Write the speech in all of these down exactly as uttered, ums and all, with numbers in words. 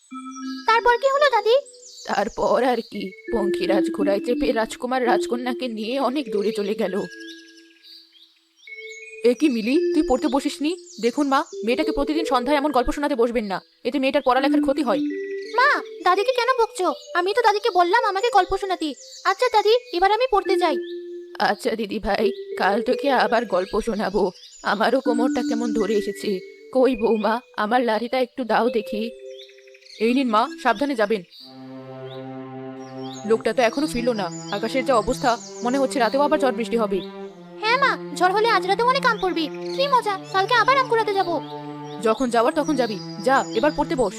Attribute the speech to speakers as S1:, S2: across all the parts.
S1: তারপর কি হলো দাদি?
S2: তারপর আর কি, পঙ্খিরাজ ঘোড়ায় চেপে রাজকুমার রাজকন্যাকে নিয়ে অনেক দূরে চলে গেল। এ কি মিলি, তুই পড়তে বসিসনি? দেখুন মা, মেয়েটাকে প্রতিদিন সন্ধ্যায় এমন গল্প শোনাতে বসবেন না, এতে মেয়েটার পড়ালেখার ক্ষতি হয়।
S1: মা, দাদিকে কেন বকছো? আমি তো দাদিকে বললাম আমাকে গল্প শোনাতে। আচ্ছা দাদি, এবার আমি পড়তে যাই।
S2: আচ্ছা দিদি ভাই, কাল তোকে আবার গল্প শোনাবো। আমারও কোমরটা কেমন ধরে এসেছে। কই বৌমা, আমার লাঠিটা একটু দাও দেখি। এই নিন মা, সাবধানে যাবেন। লোকটা তো এখনো ফিরলো না। আকাশের যা অবস্থা, মনে হচ্ছে রাতেও আবার ঝড় বৃষ্টি হবে।
S1: হ্যাঁ মা, ঝড় হলে আজ রাতে অনেক আম পড়বি। কি মজা, কালকে আবার আম কুড়াতে যাবো।
S2: যখন যাওয়ার তখন যাবি। যা, এবার পড়তে বস।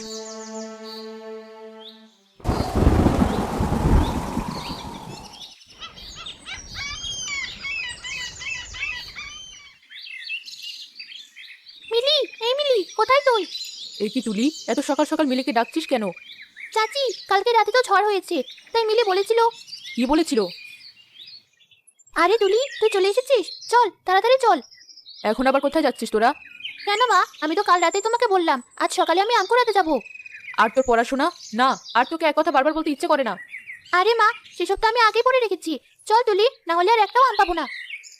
S1: মিলি, এই মিলি, কোথায় তুই?
S2: এই কি তুলি, এত সকাল সকাল মিলিকে ডাকছিস কেন?
S1: চাচি, কালকে রাতে তো ঝড় হয়েছে, তাই মিলি বলেছিল।
S2: কি বলেছিল?
S1: আরে তুলি, তুই চলে এসেছিস, চল তাড়াতাড়ি চল।
S2: এখন আবার কোথায় যাচ্ছিস তোরা?
S1: কেন মা, আমি তো কাল রাতেই তোমাকে বললাম আজ সকালে আমি আম কুড়াতে যাবো।
S2: আর তোর পড়াশোনা? না, আর তোকে এক কথা বারবার বলতে ইচ্ছে করে না।
S1: আরে মা, সেসব তো আমি আগেই পড়ে রেখেছি। চল তুলি, না হলে আর একটাও আম পাবো না।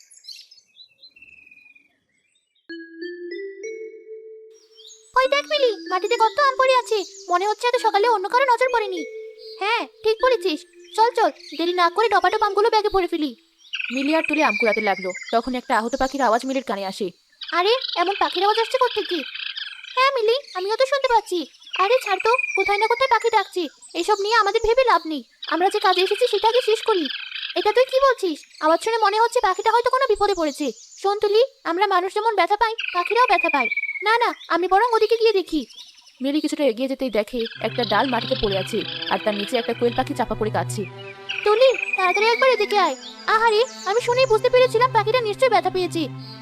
S1: ওই দেখ মিলি, মাটিতে কত আম পড়ে আছে। মনে হচ্ছে এত সকালে অন্য কারো নজর পড়েনি। হ্যাঁ, ঠিক বলেছিস। চল চল, দেরি না করে টপাটপ আমগুলো ব্যাগে পড়ে ফেলি।
S2: মিলি আর তুলে আম কুড়াতে লাগলো, তখন একটা আহত পাখির আওয়াজ মিলির কানে আসে।
S1: আরে, এমন পাখির আওয়াজ আসছে কোত্থেকে? হ্যাঁ মিলি, আমিও তো শুনতে পাচ্ছি। আরে ছাড় তো, কোথায় না কোথায় পাখি ডাকছি। এসব নিয়ে আমাদের ভেবে লাভ নেই। আমরা যে কাজে এসেছি সেটা আগে শেষ করি। এটা তুই কি বলছিস? আওয়াজ শুনে মনে হচ্ছে পাখিটা হয়তো কোনো বিপদে পড়েছে। শোন তুলি, আমরা মানুষ যেমন ব্যথা পাই, পাখিরাও ব্যথা পায়। না না, আমি বরং ওদিকে গিয়ে দেখি।
S2: মিলি কিছুটা এগিয়ে যেতেই দেখে একটা ডাল মাটিতে পড়ে আছে, আর তার নিচে একটা কোয়েল পাখি চাপা পড়ে কাঁদছে।
S1: তুলি, তাড়াতাড়ি একবার এদিকে আয়। আহারে, আমি শুনেই বুঝতে পেরেছিলাম পাখিটা নিশ্চয়ই ব্যথা পেয়েছে।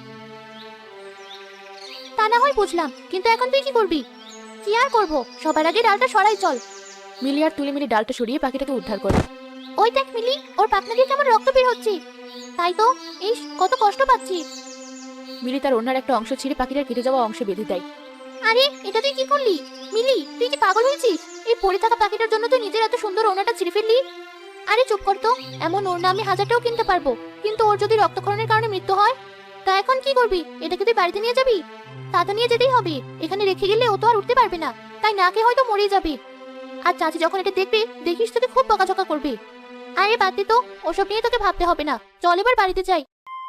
S1: তা না হয় বুঝলাম, কিন্তু এখন তুই কি করবি? কি আর করবো, সবার আগে ডালটা সরাই চল।
S2: মিলি আর তুলে মিলি ডালটা সরিয়ে পাখিটাকে উদ্ধার করে।
S1: ওই দেখ মিলি, ওর পাখনা দিয়ে কেমন রক্ত বের হচ্ছে। তাই তো, ইস কত কষ্ট পাচ্ছি।
S2: মিলি তার অন্যার একটা অংশ ছিঁড়ে পাখিটার কেটে যাওয়া অংশে বেঁধে দেয়।
S1: আরে, এটা তুই কি করলি? মিলি, তুই কি পাগল হয়েছিস? এই পড়ে থাকা পাখিটার জন্য তুই নিজের এত সুন্দর ওড়নাটা ছিঁড়ে ফেললি? আরে চুপ কর তো। এমন ওড়না আমি হাজারটাও কিনতে পারবো, কিন্তু ওর যদি রক্তক্ষরণের কারণে মৃত্যু হয়, তা এখন কি করবি? এটাকে তুই বাড়িতে নিয়ে যাবি? তা তো নিয়ে যেতেই হবে। এখানে রেখে গেলে ও তো আর উঠতে পারবে না, তাই না খেয়ে হয়তো মরে যাবে। আর চাচি যখন এটা দেখবে, দেখিস তোকে খুব বকাঝকা করবে। আরে বাদ দে তো, ওসব নিয়ে তোকে ভাবতে হবে না। চল এবার বাড়িতে যাই।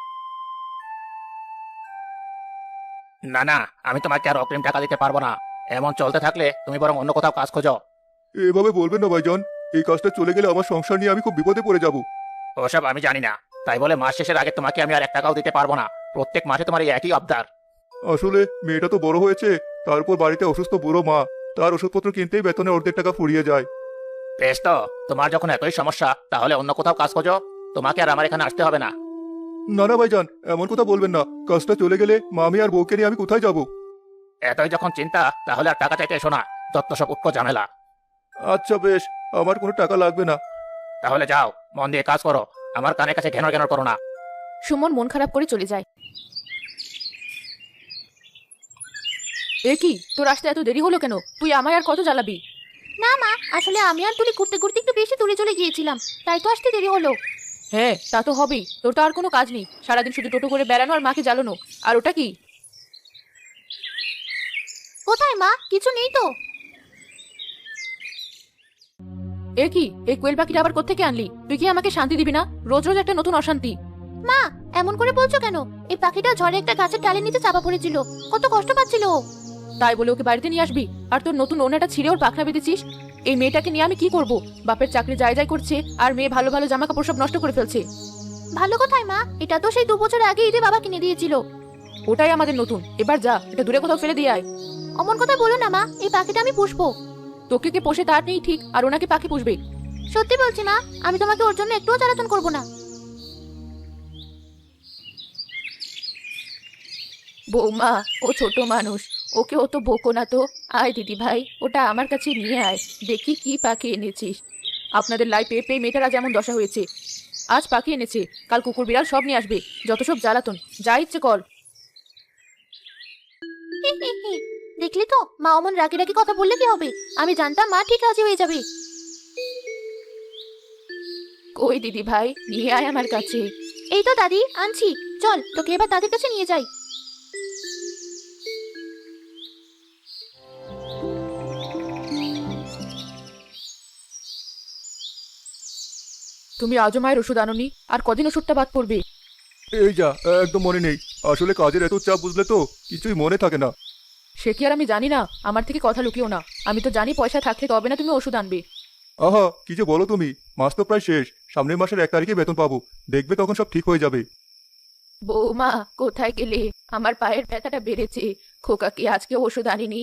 S3: না না, আমি তোমাকে আর অগ্রিম টাকা দিতে পারবো না। এমন চলতে থাকলে তুমি বরং অন্য কোথাও কাজ খোঁজো।
S4: এভাবে বলবেন না ভাইজান। এই কাজটা চলে গেলে আমার সংসার নিয়ে আমি খুব বিপদে পড়ে যাব।
S3: ওসব আমি জানি না, তাই বলে মাস শেষের আগে তোমাকে আমি আর এক টাকাও দিতে পারবো না। প্রত্যেক মাসে তোমার এই একই আবদার।
S4: আসলে মেয়েটা তো বড় হয়েছে, তারপর বাড়িতে অসুস্থ বুড়ো মা, তার ওষুধপত্র কিনতেই বেতনের অর্ধেক টাকা ফুরিয়ে যায়।
S3: বেশ তো, তোমার যখন এতই সমস্যা তাহলে অন্য কোথাও কাজ খোঁজো। তোমাকে আর আমার এখানে আসতে হবে না।
S4: না না ভাইজান, এমন কথা বলবেন না। কাজটা চলে গেলে মামি আর বউকে নিয়ে আমি কোথায় যাব?
S3: এতই যখন চিন্তা, তাহলে আর টাকা চাইতে এসো না। যত সব উৎকো ঝামেলা।
S4: আচ্ছা বেশ, আমার কোনো টাকা লাগবে না।
S3: তাহলে যাও, মন দিয়ে কাজ করো। আমার কানের কাছে ঘেনর ঘেনর করো না।
S2: সুমন মন খারাপ করে চলে যায়। এ কি, তোর আসতে এত দেরি হলো কেন? তুই আমায় আর কত জ্বালাবি?
S1: না মা, আসলে আমি আর তুলি ঘুরতে ঘুরতে একটু বেশি দূরে চলে গিয়েছিলাম, তাই তো আসতে দেরি হলো।
S2: হ্যাঁ, তা তো হবেই। তোর তো আর কোনো কাজ নেই, সারাদিন শুধু টোটো করে বেড়ানো আর মাকে জ্বালানো। আর ওটা কি?
S1: কোথায় মা? কিছু নেই তো।
S2: এ কি, এই কোয়েল পাখিটা আবার কোত্থেকে আনলি? তুই কি আমাকে শান্তি দিবি না? রোজ রোজ একটা নতুন অশান্তি।
S1: মা, এমন করে বলছো কেন? এই পাখিটা ঝড়ে একটা গাছের ডালের নিচে চাপা পড়েছিল, কত কষ্ট পাচ্ছিল ও।
S2: তাই বলে ওকে বাড়িতে নিয়ে আসবি? আর তোর নতুন ওনাটা ছিঁড়ে ওর পাখনা বেঁধেছিস? এই মেয়েটাকে নিয়ে আমি কি করব? বাপের চাকরি যায় যায় করছে, আর মেয়ে ভালো ভালো জামা কাপড় সব নষ্ট করে ফেলছে।
S1: ভালো কোথায় মা, এটা তো সেই দু বছর আগে ঈদে বাবা কিনে দিয়েছিল।
S2: ওটাই আমাদের নতুন। এবার যা, এটা দূরে কোথাও ফেলে দিয়ে আয়।
S1: অমন কথা বলো না মা, এই পাখিটা আমি পুষবো।
S2: তোকে কে পোষে তার নেই ঠিক, আর ওনাকে পাখি পুষবে?
S1: সত্যি বলছি মা, আমি তোমাকে ওর জন্য একটুও জ্বালাতন করবো না।
S2: বৌমা, ও ছোট মানুষ, ওকে ও তো বকো না তো। আয় দিদি ভাই, ওটা আমার কাছে নিয়ে আয়, দেখি কি পাখি এনেছিস। আপনাদের লাই পেয়ে পেয়ে মেয়েটারা যেমন দশা হয়েছে। আজ পাখি এনেছে, কাল কুকুর বিড়াল সব নিয়ে আসবে। যত সব জ্বালাতন, যা ইচ্ছে কর।
S1: দেখলি তো মা অমন রাগি রাগি কথা বললে কি হবে? আমি জানতাম মা ঠিক রাজি হয়ে যাবে।
S2: কই দিদি ভাই, নিয়ে আয় আমার কাছে।
S1: এই তো দাদি আনছি, চল তোকে এবার দাদির কাছে নিয়ে যাই।
S2: তুমি আজও মায়ের ওষুধ আনোনি, আর কদিন ওষুধটা বাদ পড়বে?
S4: এই যা, একদম মনে নেই। আসলে কাজের এত চাপ বুঝলে তো, কিছুই মনে থাকে না।
S2: সে কি আর আমি জানি না? আমার থেকে কথা লুকিও না। আমি তো জানি পয়সা থাকলে তবে না তুমি ওষুধ আনবে।
S4: আহা, কি যে বলো তুমি! মাস তো প্রায় শেষ, সামনের মাসের এক তারিখে বেতন পাবো, দেখবে তখন সব ঠিক হয়ে যাবে।
S2: বৌমা কোথায় গেলে? আমার পায়ের ব্যথাটা বেড়েছে। খোকা কি আজকে ওষুধ আনিনি?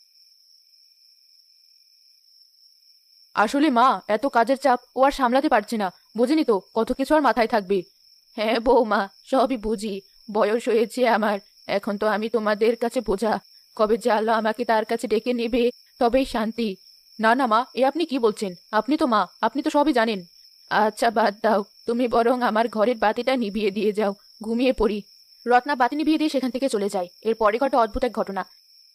S2: আসলে মা, এত কাজের চাপ ও আর সামলাতে পারছে না। বুঝিনি তো কত কিছু আর মাথায় থাকবে। হ্যাঁ বৌমা, সবই বুঝি। বয়স হয়েছে আমার, এখন তো আমি তোমাদের কাছে বোঝা। কবে যে আল্লাহ আমাকে তার কাছে ডেকে নেবে তবেই শান্তি। না না মা, এ আপনি কি বলছেন? আপনি তো মা, আপনি তো সবই জানেন। আচ্ছা বাদ দাও, তুমি বরং আমার ঘরের বাতিটা নিভিয়ে দিয়ে যাও, ঘুমিয়ে পড়ি। রত্না বাতি নিভিয়ে দিয়ে সেখান থেকে চলে যায়। এরপরে ঘটে অদ্ভুত এক ঘটনা।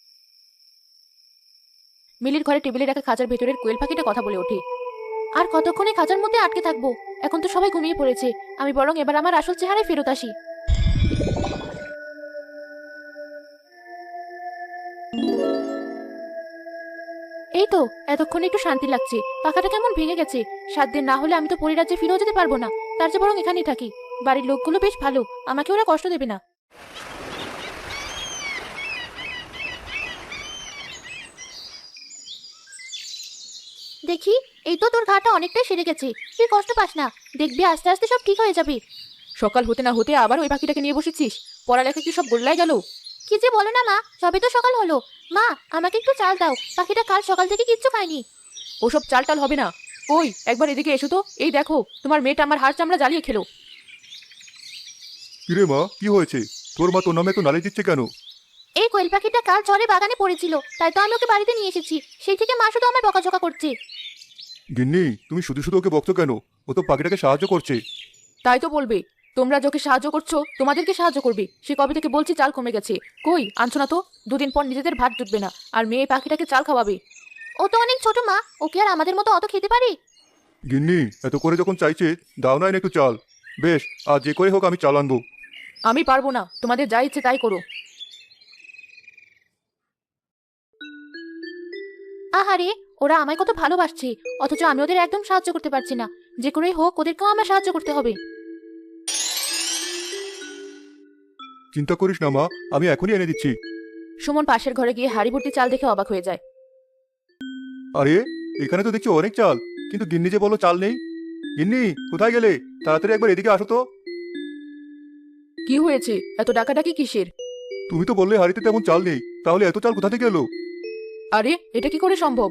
S2: মিলির ঘরে টেবিলে রাখা খাঁচার ভেতরের কোয়েল পাখিটা কথা বলে ওঠে।
S1: আর কতক্ষণে খাঁচার মধ্যে আটকে থাকবো? এখন তো সবাই ঘুমিয়ে পড়েছে, আমি বরং এবার আমার আসল চেহারায় ফেরত আসি। এই তো এতক্ষণে একটু শান্তি লাগছে। পাখাটা কেমন ভেঙে গেছে। সাত দিন না হলে আমি তো পরিরাজ্যে ফিরেও যেতে পারবো না। তার চেয়ে বরং এখানেই থাকি। বাড়ির লোকগুলো বেশ ভালো, আমাকে ওরা কষ্ট দেবে না। দেখি, এই তো তোর ঘাটা অনেকটাই সেরে গেছে। তুই কষ্ট পাস না, দেখবি আস্তে আস্তে সব ঠিক হয়ে যাবে।
S2: সকাল হতে না হতে আবার ওই পাখিটাকে নিয়ে বসেছিস? পড়ালেখা কি সব গোল্লায় গেল?
S1: কি যে বলো না মা, সবে তো সকাল হলো। মা, আমাকে একটু চাল দাও, পাখিটা কাল সকাল থেকে কিচ্ছু খায়নি।
S2: ওসব চাল টাল হবে না। ওই একবার এদিকে এসো তো। এই দেখো, তোমার মেয়েটা আমার হাড় চামড়া জ্বালিয়ে খেলো।
S4: কিরে মা, কি হয়েছে? তোর মা তোর নামে তো নালিশ দিচ্ছে কেন?
S1: এই কোয়েল পাখিটা কাল ঝড়ে বাগানে পড়েছিল, তাই তো আমি ওকে বাড়িতে নিয়ে এসেছি। সেই থেকে মা শুধু আমায় বকাঝকা করছে।
S4: গিন্নি, তুমি শুধু শুধু ওকে বকছো কেন? ও তো পাখিটাকে সাহায্য করছে।
S2: তাই তো বলবে। তোমরা যাকে সাহায্য করছো তোমাদেরকে সাহায্য করবে। সে কবে থেকে বলছি চাল কমে গেছে, কই আনছো না তো। দুদিন পর নিজেদের ভাত জুটবে না, আর মেয়ে পাখিটাকে চাল খাওয়াবে।
S1: ও তো অনেক ছোট মা, ওকে আর আমাদের মতো অত খেতে পারি?
S4: গিন্নি, এত করে যখন চাইছে, দাও না এনে একটু চাল। বেশ, আর যে করে হোক আমি চাল আনবো।
S2: আমি পারবো না, তোমাদের যা ইচ্ছে তাই করো।
S1: আহারে, ওরা আমায় কত ভালোবাসছে, অথচ আমি ওদের একদম সাহায্য করতে পারছি না। যে করেই হোক ওদেরকেও আমার সাহায্য করতে হবে।
S4: চিন্তা করিস না মা, আমি এখনই এনে দিচ্ছি।
S2: সুমন পাশের ঘরে গিয়ে হাড়ি ভর্তি চাল দেখে অবাক হয়ে যায়।
S4: আরে, এখানে তো দেখছি অনেক চাল, কিন্তু গিন্নি যে বলো চাল নেই। গিন্নি, কোথায় গেলে? তাড়াতাড়ি একবার এদিকে আসো তো।
S2: কি হয়েছে? এত ডাকাডাকি কিসের?
S4: তুমি তো বললে হাড়িতে তেমন চাল নেই, তাহলে এত চাল কোথা থেকে এলো?
S2: আরে, এটা কি করে সম্ভব?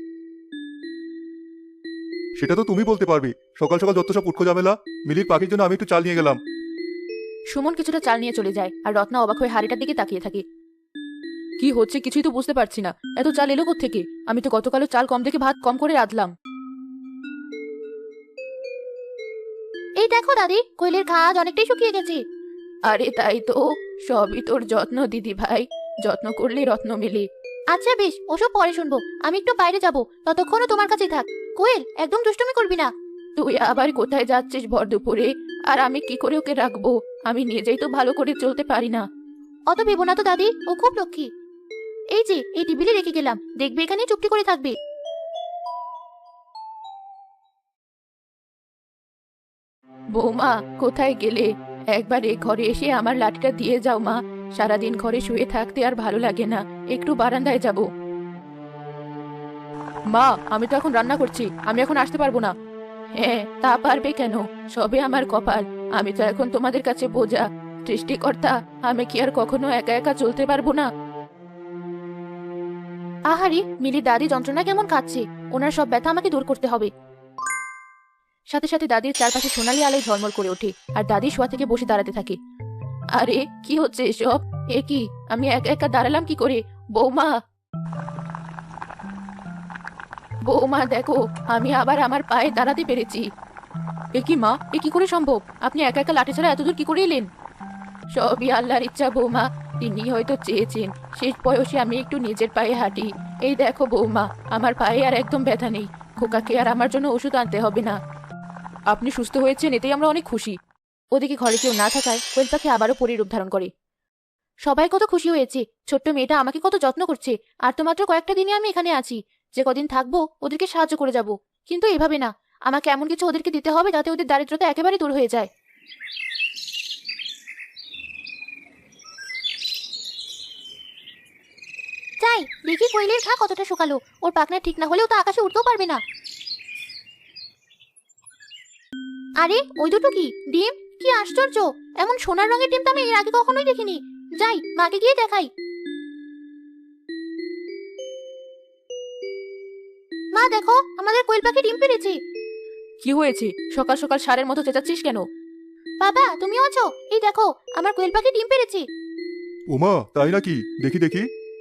S4: সেটা তো তুমি বলতে পারবে। সকাল সকাল যত সব উৎকো ঝামেলা। মিলির পাখির জন্য আমি একটু চাল নিয়ে গেলাম।
S2: সুমন কিছুটা চাল নিয়ে চলে যায়, আর রত্না অবাক হয়ে হাড়িটার দিকে তাকিয়ে থাকে। কি হচ্ছে কিছুই তো বুঝতে পারছি না। এত চাল এলো কোত্থেকে? আমি তো গতকালও চাল কম দেখে ভাত কম করে রাঁধলাম।
S1: এই দেখো দাদি, কোয়েলের ঘাস অনেকটাই শুকিয়ে গেছে।
S2: আরে তাই তো, সবই তোর যত্ন দিদি ভাই। যত্ন করলে রত্ন মেলে।
S1: আচ্ছা বেশ, ওসব পরে শুনবো। আমি একটু বাইরে যাব, ততক্ষণও তোমার কাছেই থাক। কোয়েল, একদম দুষ্টুমি করবি না।
S2: তুই আবার কোথায় যাচ্ছিস ভর দুপুরে? আর আমি কি করে ওকে রাখবো? আমি নিজেই তো ভালো করে চলতে পারি না।
S1: অত ভেবো না তো দাদি, ও খুব লক্ষ্মী। এই যে এই টেবিলে রেখে গেলাম, দেখবে এখানেই চুপটি করে থাকবে।
S2: বৌমা কোথায় গেলে? একবার এ ঘরে এসে আমার লাঠিটা দিয়ে যাও মা। সারাদিন ঘরে শুয়ে থাকতে আর ভালো লাগে না, একটু বারান্দায় যাব। মা, আমি তো এখন রান্না করছি, আমি এখন আসতে পারবো না। হ্যাঁ, তা পারবে কেন? সবে আমার কপাল। আমি তো এখন তোমাদের কাছে বোঝা। সৃষ্টিকর্তা, আমি কি আর কখনো একা একা চলতে পারবো না?
S1: আহারে, মিলি দাদি যন্ত্রণা কেমন খাচ্ছে। ওনার সব ব্যথা আমাকে দূর করতে হবে।
S2: সাথে সাথে দাদির চারপাশে সোনালি আলোয় ঝলমল করে ওঠে, আর দাদি শোয়া থেকে বসে দাঁড়াতে থাকে। আরে কি হচ্ছে এসব? এ কি, আমি একা একা দাঁড়ালাম কি করে? বৌমা, বৌমা দেখো, আমি আবার আমার পায়ে দাঁড়াতে পেরেছি। এ কি মা, এ কি করে সম্ভব? আপনি একা একা লাঠি ছাড়া এতদূর কি করে এলেন? সবই আল্লাহর ইচ্ছা বৌমা। তিনি হয়তো চেয়েছেন শেষ বয়সে আমি একটু নিজের পায়ে হাঁটি। এই দেখো বৌমা, আমার পায়ে আর একদম ব্যথা নেই। খোকাকে আর আমার জন্য ওষুধ আনতে হবে না। আপনি সুস্থ হয়েছেন, এতেই আমরা অনেক খুশি। ওদিকে ঘরে কেউ না থাকায় কোয়েল পাখি আবারও পরীর রূপ ধারণ করে। সবাই কত খুশি হয়েছে, ছোট্ট মেয়েটা আমাকে কত যত্ন করছে। আর তো মাত্র কয়েকটা দিনে আমি এখানে আছি, যে কদিন থাকবো ওদেরকে সাহায্য করে যাব। কিন্তু এভাবে না, আমাকে এমন কিছু ওদেরকে দিতে হবে যাতে ওদের দারিদ্রতা একেবারে দূর হয়ে যায়।
S1: যাই দেখি কোয়েলের ঘা কতটা শুকালো। ওর পাখনা ঠিক না হলেও তো আকাশে উঠতেও পারবে না। আরে ওই দুটো কি ডিম? কি আশ্চর্য, এমন সোনার রঙের ডিম তো আমি এর আগে কখনোই দেখিনি। যাই মাকে গিয়ে দেখাই। মা দেখো, আমাদের কোয়েল পাখি ডিম পেড়েছে।
S2: কি হয়েছে? সকাল সকাল সারের মতো চেঁচাচ্ছিস কেন?
S1: বাবা তুমিও আছো? এই দেখো, আমার কোয়েল পাখি ডিম পেড়েছে।
S4: ওমা তাই নাকি? দেখি দেখি।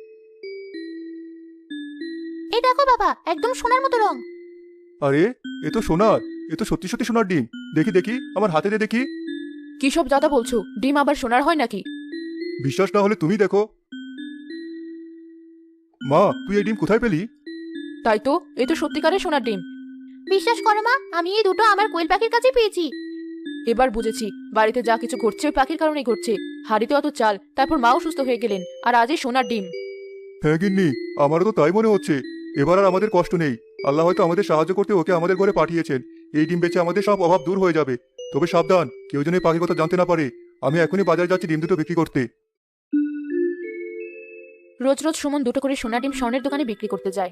S1: এই দেখো বাবা, একদম সোনার মতো রং।
S4: আরে এ তো সোনার, এ তো সত্যি সত্যি সোনার ডিম। দেখি দেখি, আমার হাতে দিয়ে দেখি।
S2: কি সব জাদা বলছো? ডিম আবার সোনার হয় নাকি?
S4: বিশ্বাস না হলে তুমি দেখো। মা তুই এই ডিম কোথায় পেলি?
S2: তাই তো, এ তো সত্যিকারের সোনার ডিম।
S1: বিশ্বাস করো মা, আমি এই দুটো আমার কোয়েল পাখির কাছে পেয়েছি।
S2: এবার বুঝেছি, বাড়িতে যা কিছু ঘটছে ওই পাখির কারণেই ঘটছে। হাড়িতে অত চাল, তারপর মাও সুস্থ হয়ে গেলেন, আর আজই সোনার ডিম।
S4: হ্যাঁ গিন্নি, আমারও তো তাই মনে হচ্ছে। এবার আর আমাদের কষ্ট নেই। আল্লাহ হয়তো আমাদের সাহায্য করতে ওকে আমাদের ঘরে পাঠিয়েছেন। এই ডিম বেচে আমাদের সব অভাব দূর হয়ে যাবে। তবে সাবধান, কেউ যেন এই পাখির কথা জানতে না পারে। আমি এখনই বাজারে যাচ্ছি ডিম দুটো বিক্রি করতে।
S2: রোজ রোজ সুমন দুটো করে সোনার ডিম স্বর্ণের দোকানে বিক্রি করতে যায়।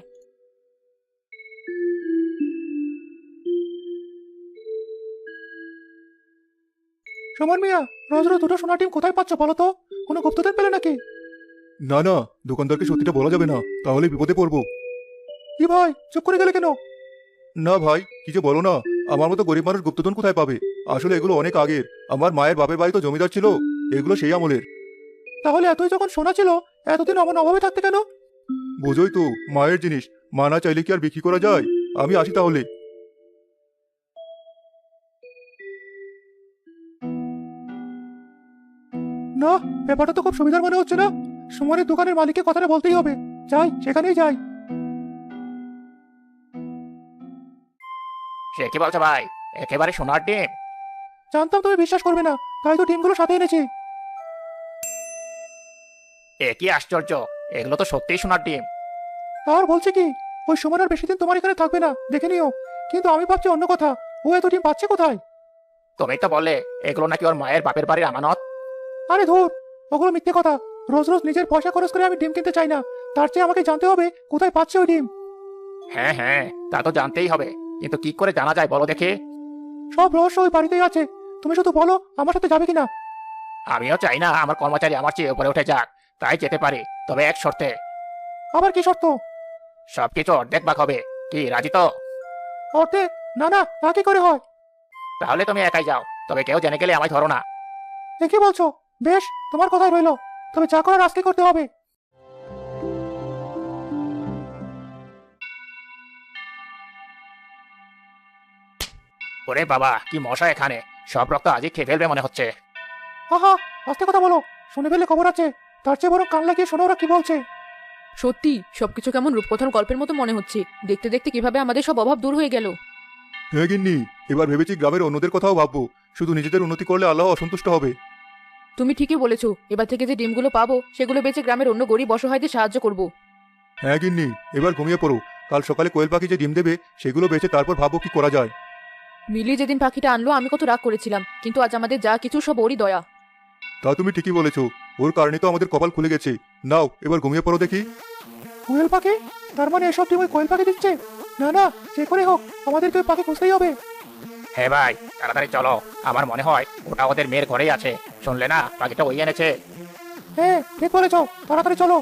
S4: সুমন মিয়া, রোজ রোজ দুটো সোনার ডিম কোথায় পাচ্ছ বলো তো? কোনো গুপ্তধন পেলে নাকি? না না, দোকানদারকে সত্যিটা বলা যাবে না, তাহলে বিপদে পড়বো। কি ভাই, চুপ করে গেলে কেন? না ভাই, কি যে বলো না। আমার মতো গরিব মানুষ গুপ্তধন কোথায় পাবে? আসলে এগুলো অনেক আগের। আমার মায়ের বাপের বাড়ি তো জমিদার ছিল, এগুলো সেই আমলের। তাহলে এতই যখন সোনা ছিল, এতদিন আমার অভাবে থাকতে কেন? বোঝোই তো, মায়ের জিনিস, মা না চাইলে কি আর বিক্রি করা যায়? আমি আসি তাহলে। না, ব্যাপারটা তো খুব সুবিধার মনে হচ্ছে না। সুমনের দোকানের মালিককে কথাটা বলতেই হবে। যাই, সেখানেই যাই।
S3: সে কি বলছো ভাই? একেবারে সোনার ডিম?
S4: জানতাম তুমি বিশ্বাস করবে না, তাই তো ডিমগুলো সাথে এনেছি।
S3: এ কি আশ্চর্য, এগুলো তো সত্যিই সোনার ডিম।
S4: আর বলছে কি, ওই সুমন আর বেশি দিন তোমার এখানে থাকবে না, দেখে নিও। কিন্তু আমি ভাবছি অন্য কথা, ও এত ডিম পাচ্ছে কোথায়?
S3: তুমি তো বললে এগুলো নাকি ওর মায়ের বাপের বাড়ির আমানত।
S4: আরে ধুর, ওগুলো মিথ্যে কথা। রোজ রোজ নিজের পয়সা খরচ করে আমি ডিম কিনতে চাই না। তার চেয়ে আমাকে জানতে হবে কোথায় পাচ্ছে ওই ডিম।
S3: হ্যাঁ হ্যাঁ, তা তো জানতেই হবে, কিন্তু কি করে জানা যায় বলো দেখে?
S4: সব রহস্য ওই বাড়িতেই আছে। তুমি শুধু বলো আমার সাথে যাবে কিনা।
S3: আমিও চাই না আমার কর্মচারী আমার চেয়ে উপরে উঠে যাক, তাই যেতে পারি, তবে এক শর্তে।
S4: আবার কি শর্ত?
S3: সবকিছু অর্ধেক ভাগ হবে, কি রাজি তো?
S4: অর্ধেক? না না, তা কি করে হয়?
S3: তাহলে তুমি একাই যাও, তবে কেউ জেনে গেলে আমায় ধরো না।
S4: এ কি বলছো? বেশ, তোমার কথাই রইলো। তবে যা করার আজকে করতে হবে।
S3: ওরে বাবা, কি মশা এখানে! সব রক্ত আজই খেয়ে ফেলবে মনে হচ্ছে।
S4: আহা, আস্তে কথা বলো, শুনে ফেললে খবর আছে। তার চেয়ে বরং কান লাগিয়ে শোনো ওরা কি বলছে।
S2: সত্যি সবকিছু কেমন রূপকথার গল্পের মতো মনে হচ্ছে। দেখতে দেখতে কিভাবে আমাদের সব অভাব দূর হয়ে গেল।
S4: হ্যাঁ গিন্নি, এবার ভেবেছি গ্রামের অন্যদের কথাও ভাববো। শুধু নিজেদের উন্নতি করলে আল্লাহ অসন্তুষ্ট হবে।
S2: তুমি ঠিকই বলেছো, এবার থেকে যে ডিমগুলো পাবো সেগুলো বেচে গ্রামের অন্য গরিব অসহায়দের সাহায্য করব।
S4: হ্যাঁ গিন্নি, এবার ঘুমিয়ে পড়ো। কাল সকালে কোয়েল পাখি যে ডিম দেবে সেগুলো বেচে তারপর ভাবো কি করা যায়।
S2: মিলি যেদিন পাখিটা আনলো আমি কত রাগ করেছিলাম, কিন্তু আজ আমাদের যা কিছু সব ওরই দয়া।
S4: তা তুমি ঠিকই বলেছো, ওর কারণে তো আমাদের কপাল খুলে গেছে। নাও এবার ঘুমিয়ে পড়ো দেখি। কোয়েল পাখি? তার মানে এসব ডিম ওই কোয়েল পাখি দিচ্ছে? না না, যে করে হোক আমাদেরকে ওই পাখি খুঁজতেই হবে।
S3: হ্যাঁ ভাই, তাড়াতাড়ি চলো, আমার মনে হয় ওটা ওদের মেয়ের ঘরেই আছে। শুনলে না, পাখিটা ওই এনেছে।
S4: হ্যাঁ ঠিক বলেছো, তাড়াতাড়ি চলো।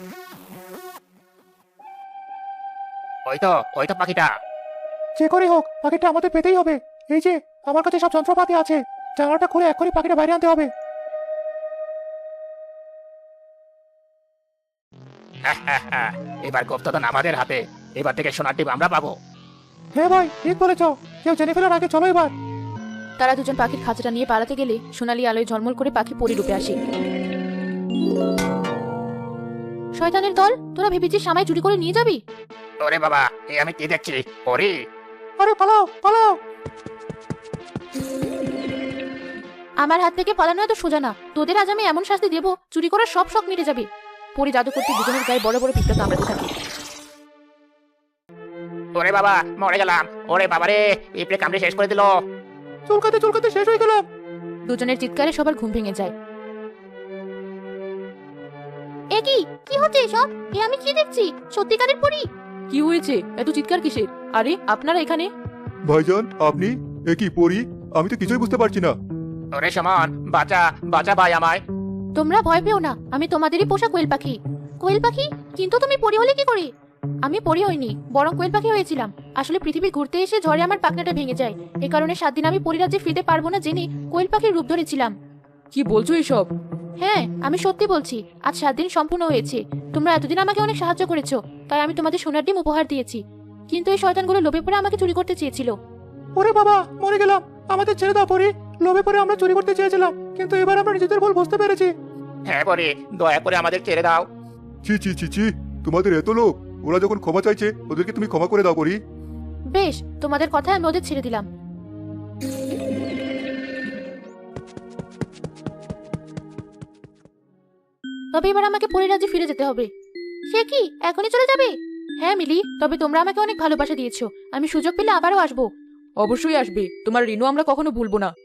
S3: ওই তো, ওই তো পাখিটা।
S4: যে করে হোক পাখিটা আমাদের পেতেই হবে। এই যে আমার কাছে সব যন্ত্রপাতি আছে, জানালাটা খুলে এখনই পাখিটা বাইরে আনতে হবে।
S3: এবার গুপ্তধন আমাদের হাতে, এবার থেকে সোনার ডিম আমরা পাবো।
S4: হ্যাঁ ভাই ঠিক বলেছো, কেউ জেনে ফেলার আগে চলো এবার।
S2: তারা দুজন পাখির খাঁচাটা নিয়ে পালাতে গেলে সোনালি আলোয় ঝলমল করে পাখি পরিরূপে আসে।
S1: শয়তানের দল, তোরা ভেবেছিস আমায় চুরি করে নিয়ে যাবি?
S3: ওরে বাবা, এ আমি কি দেখছি? পরি!
S4: আরে পালাও পালাও!
S1: আমার হাত থেকে পালানো এত সোজা না। তোদের আজ আমি এমন শাস্তি দেবো, চুরি করার সব শখ মিটে যাবে।
S2: পরি জাদু করতে দুজনের গায়ে বড় বড় পিঁপড়া কামড়াতে থাকে।
S3: ওরে বাবা, মরে গেলাম! ওরে বাবা রে, পিঁপড়ে কামড়ে শেষ করে দিল।
S4: চুলকাতে চুলকাতে শেষ হয়ে গেলাম।
S2: দুজনের চিৎকারে সবার ঘুম ভেঙে যায়।
S1: এ কি কি হচ্ছে এসব? এ আমি কি দেখছি? সত্যিকারের পরি?
S2: কি হয়েছে? এত চিৎকার কিসের? আরে আপনারা এখানে?
S4: ভাইজান, আপনি? এ কি পরি? আমি তো কিছুই বুঝতে পারছি না।
S3: ওরে সমান, বাঁচা বাঁচা ভাই আমায়।
S1: তোমরা ভয় পেও না, আমি তোমাদেরই পোষা কোয়েল পাখি। কোয়েল পাখি? কিন্তু তুমি পরি হলে কি করে? আমি পরি হইনি, বরং কোয়েল পাখি হয়েছিলাম। আসলে পৃথিবী ঘুরতে এসে ঝড়ে আমার পাখনাটা ভেঙে যায়। এ কারণে সাত দিন আমি পরিরাজ্যে ফিরতে পারবো না জেনে কোয়েল পাখির রূপ ধরেছিলাম।
S2: কি বলছো এসব?
S1: হ্যাঁ, আমি সত্যি বলছি। আজ সাত দিন সম্পূর্ণ হয়েছে। তোমরা এতদিন আমাকে অনেক সাহায্য করেছো, তাই আমি তোমাদের সোনার ডিম উপহার দিয়েছি। কিন্তু এই শয়তানগুলো লোভে পড়ে আমাকে চুরি করতে চেয়েছিল।
S4: ওরে বাবা, মরে গেলাম! আমাদের ছেড়ে দাও পরি। লোভে পরে আমরা চুরি করতে চেয়েছিলাম, কিন্তু এবার আমরা নিজেদের ভুল বুঝতে পেরেছি।
S3: হ্যাঁ পরি, দয়া করে আমাদের ছেড়ে দাও।
S4: ছি ছি ছি ছি, তোমাদের এত লোক! ওরা যখন ক্ষমা চাইছে, ওদেরকে তুমি ক্ষমা করে দাও পরি।
S1: বেশ, তোমাদের কথায় আমি ওদের ছেড়ে দিলাম। তবে এবার আমাকে পরিরাজ্যে ফিরে যেতে হবে। সে কি, এখনই চলে যাবে? হ্যাঁ মিলি, তবে তোমরা আমাকে অনেক ভালোবাসা দিয়েছো। আমি সুযোগ পেলে আবারও আসবো।
S2: অবশ্যই আসবে, তোমার ঋণও আমরা কখনো ভুলবো না।